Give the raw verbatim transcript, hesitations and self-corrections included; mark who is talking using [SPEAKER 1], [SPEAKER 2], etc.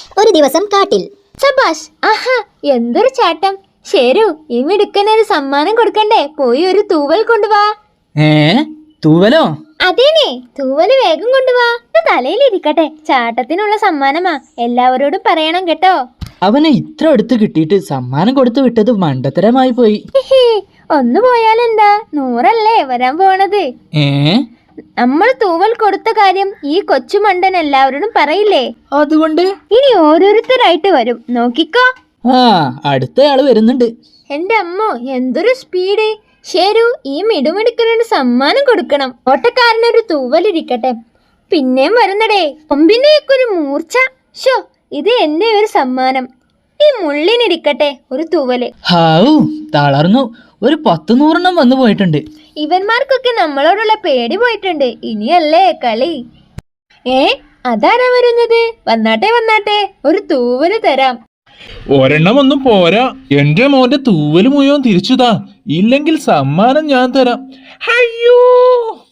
[SPEAKER 1] ഒരു ദിവസം കാട്ടിൽ.
[SPEAKER 2] സബാഷ്, ആഹാ എന്തൊരു ചാട്ടം. ശരു, ഈ മിടുക്കനൊരു സമ്മാനം കൊടുക്കണ്ടേ? പോയി ഒരു തൂവൽ കൊണ്ടുവാ.
[SPEAKER 3] ഏ തൂവലോ?
[SPEAKER 2] അതേനെ, തൂവല് വേഗം കൊണ്ടുവാ. തലയിലിരിക്കട്ടെ, ചാട്ടത്തിനുള്ള സമ്മാനമാ. എല്ലാവരോടും പറയണം കേട്ടോ.
[SPEAKER 3] അവനെ ഇത്ര അടുത്ത് കിട്ടിയിട്ട് സമ്മാനം കൊടുത്തു വിട്ടത് മണ്ടത്തരമായി പോയി.
[SPEAKER 2] ഒന്ന് പോയാലെന്താ, നൂറല്ലേ വരാൻ പോണത്.
[SPEAKER 3] ഏ
[SPEAKER 2] നമ്മൾ തൂവൽ കൊടുത്ത കാര്യം ഈ കൊച്ചു മണ്ടൻ എല്ലാവരോടും പറയില്ലേ?
[SPEAKER 3] അതുകൊണ്ട്
[SPEAKER 2] ഇനി ഓരോരുത്തരായിട്ട് വരും, നോക്കിക്കോ.
[SPEAKER 3] ആ അടുത്തയാള് വരുന്നുണ്ട്.
[SPEAKER 2] എന്റെ അമ്മോ, എന്തൊരു സ്പീഡ്. ശരു, ഈ മിടുമിടുക്കനൊരു സമ്മാനം കൊടുക്കണം. ഓട്ടക്കാരനൊരു തൂവലിരിക്കട്ടെ. പിന്നെയും വരുന്നടേ, കൊമ്പിന്റെയൊക്കെ ഒരു മൂർച്ച. ഷോ, ഇത് എന്റെ ഒരു സമ്മാനം. ഈ മുള്ളിനിരിക്കട്ടെ ഒരു തൂവല്.
[SPEAKER 3] ഹാവൂ, തളർന്നു. ഒരു പത്ത് നൂറെണ്ണം വന്നു പോയിട്ടുണ്ട്.
[SPEAKER 2] ഇവന്മാർക്കൊക്കെ നമ്മളോടുള്ള പേടി പോയിട്ടുണ്ട്. ഇനിയല്ലേ കളി. ഏ അതാരാ വരുന്നത്? വന്നാട്ടെ വന്നാട്ടെ, ഒരു തൂവല് തരാം.
[SPEAKER 4] ഒരെണ്ണം ഒന്നും പോരാ. എന്റെ മോന്റെ തൂവല് മുഴുവൻ തിരിച്ചുതാ, ഇല്ലെങ്കിൽ സമ്മാനം ഞാൻ തരാം. അയ്യോ.